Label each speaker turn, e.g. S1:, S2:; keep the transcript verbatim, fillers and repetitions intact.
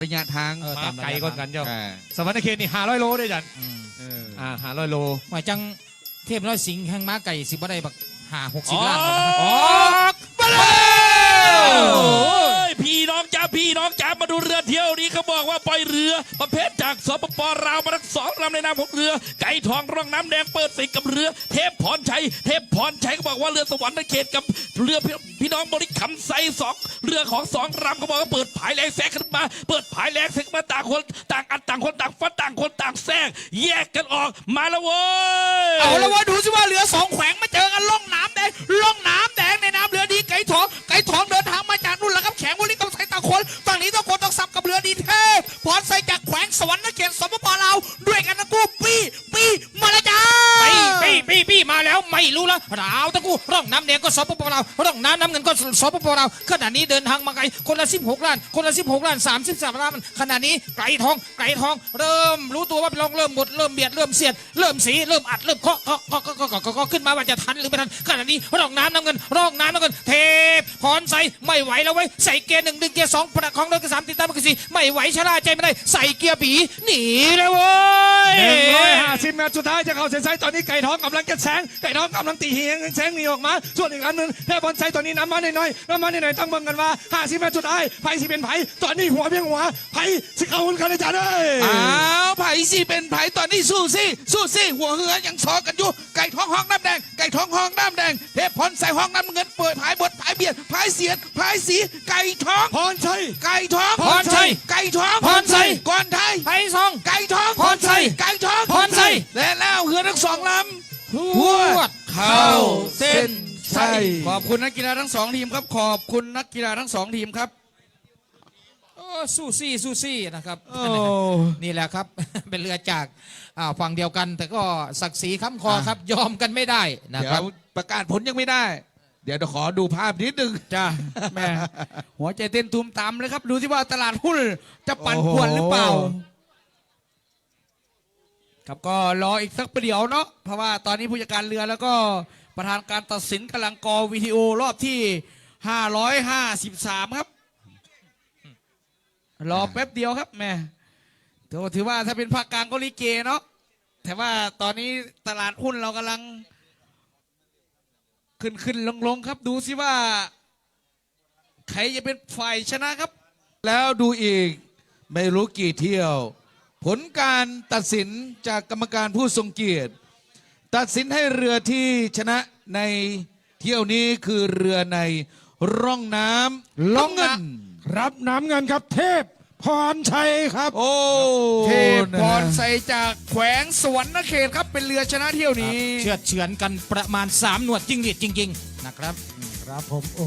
S1: ระยะทาง
S2: มาไกลก้อนกันเจ้า
S1: อ่า
S2: สวรรค์เขตนี่ห้าร้อยโลได้จัน
S1: เออ
S2: อ่าห้าร้อยโล
S3: หมายจังเทพน้อยสิงห์แห่งม้าไก่สิบ่ได้บักหาหกสิบ
S2: อ
S3: ล้าน
S2: อกมาเลย
S4: โอ้ยพี่น้องจ้าพี่น้องจ้ามาดูเรือเที่ยวนี้เขาบอกว่าปล่อยเรือประเภทจากสปปลาวมาทั้งสองลำในนามของเรือ ไก่ทองร่องน้ำแดงเปิดศึกกับเรือ เทพพรชัยเทพพรชัยก็บอกว่าเรือสวรรค์เขตกับเรือพี่น้องบริคำไซสองเรือของสองลำเขาบอกว่าเปิดผายแรงแซงขึ้นมาเปิดผายแรงแซงมาต่างคนต่างอันต่างคนต่างฟัดต่างคนต่างแซงแยกกันออกมาแล้วเว้ย
S3: เอาแล้วว่าดูสิว่าเรือสองแขวงมาเจอกันล่องน้ำแดงล่องน้ำแดงในน้ำเรือดีไก่ทองไก่ทองเดินทางมาจากนู่นแหละครับแขงบริกรรมไซต่างคนต่างนี้ต้องคนต้องสับกับเรือดีเทพพรไซจากแขวงสวรรค์เขตสปปลาวด้วยกันนะกูปีปีมาแล้วจ้าปีปีปีปีมาแล้วไม่รู้แล้วราวตะกูร่องน้ำแดงก็สปปลาวร่องน้ำน้ำเงินก็สปปลาวขณะนี้เดินทางมาไกลคนละสิบหกล้านคนละสิบหกล้านสามสิบสามล้านขณะนี้ไก่ทองไก่ทองเริ่มรู้ตัวว่าเป็นรองเริ่มบดเริ่มเบียดเริ่มเสียดเริ่มสีเริ่มอัดเริ่มเคาะเคาะเคาะเคาะเคาะเคาะขึ้นมาว่าจะทันหรือไม่ทันขณะนี้ร่องน้ำน้ำเงินร่องน้ำน้ำเงินเทพพรใส่ไม่ไหวแล้วเว้ยใส่เกียร์หนึ่งดึงเกียร์สองประคองรถเกียร์สามติดตามเกียร์สี่ไม่ไหวชะล่าใจไม่ได้ใส่เกียร์ปีหนีเลยเว้ย
S2: หนึ่งร้อยห้าสิบเมตรสุดท้ายจะเข้าเส้นชัยตอนนี้ไก่ทองกำลังจะแซงไก่ทองกำลังตีเหียงแซงหนีออกมาส่วนอีกอันหนึ่งเทพบอลไซตอนนี้น้ำมาหน่อยๆน้ำมาหน่อยๆต้องเบิ่งกันว่าห้าสิบเมตรสุดท้ายไผ่สิเป็นไผ่ตอนนี้หัวเพียงหัวไผ่สิเข้าหุ่นกันเลยจ้าเด้
S1: อ้าวไผ่สิเป็นไผ่ตอนนี้สู้สิสู้สิหัวเหือยังซอกันอยู่ไก่ท้องห้องน้ำแดงไก่ท้องห้องน้ำแดงเทพพรใส่ห้องน้ำเงินเปิดผายบดผายเบียดผายเสียดผายสีไก่ท้อง
S2: พรชัย
S1: ไก่ท้อง
S3: พรชัย
S1: ไก่ท้อง
S3: พรชัย
S1: ก่อนไทย
S3: ไผ่ซอง
S1: ไก่ท้อง
S3: พรชัย
S1: ไก่ท้อง
S3: พรชัย
S1: และแล้วเหือทั้งสองลำ
S3: ห
S1: ห
S3: ว
S1: ว
S3: ด
S1: ดเข้าเส้นชัย
S2: ข
S1: ข
S2: อ
S1: อ
S2: บบ
S1: คุณนักกีฬาทั้งสองทีมครับขอบคุณนักกีฬาทั้งสองทีมครับ
S3: โอ้สู้ซี่สู้ซี่นะครับ
S2: โอ้
S3: นี่แหละครับ เป็นเรือจากอ่าฝั่งเดียวกัน แต่ก็ศักดิ์ศรีค้ำคอครับ ยอมกันไม่ได้นะ
S1: เดี๋ย
S3: ครับ
S1: วประกาศผลยังไม่ได้ เดี๋ยวเดี๋ยวขอดูภาพนิดนึง
S2: จ้า
S1: แม่หัวใจเต้นตูมตามเลยครับ ดูที่ว่าตลาดหุ้นจะปั่นป่วนหรือเปล่า ครับก็รออีกสักประเดี๋ยวเนาะเพราะว่าตอนนี้ผู้จัดการเรือแล้วก็ประธานการตัดสินกำลังกอวิดีโอรอบที่ห้าร้อยห้าสิบสามครับ รอแป๊บเดียวครับแม่ถือว่าถ้าเป็นภาคกลางก็ลิเกเนาะแต่ว่าตอนนี้ตลาดหุ้นเรากำลัง ขึ้นขึ้นลงลงครับดูสิว่า ใครจะเป็นฝ่ายชนะครับ แล้วดูอีกไม่รู้กี่เที่ยว ผลการตัดสินจากกรรมการผู้ทรงเกียรติ ตัดสินให้เรือที่ชนะในเที่ยวนี้คือเรือในร่องน้ำล่องเงิน
S2: รับน้ำเงินครับเทพพรชัยครับ
S1: โอ้
S5: เทพพรใสจากแขวงสวรรค์เขตครับเป็นเรือชนะเที่ยวนี้
S3: เชือดเฉือนกันประมาณสามหนวดจริงหรีดจริง ๆ นะครับ
S2: ครับผม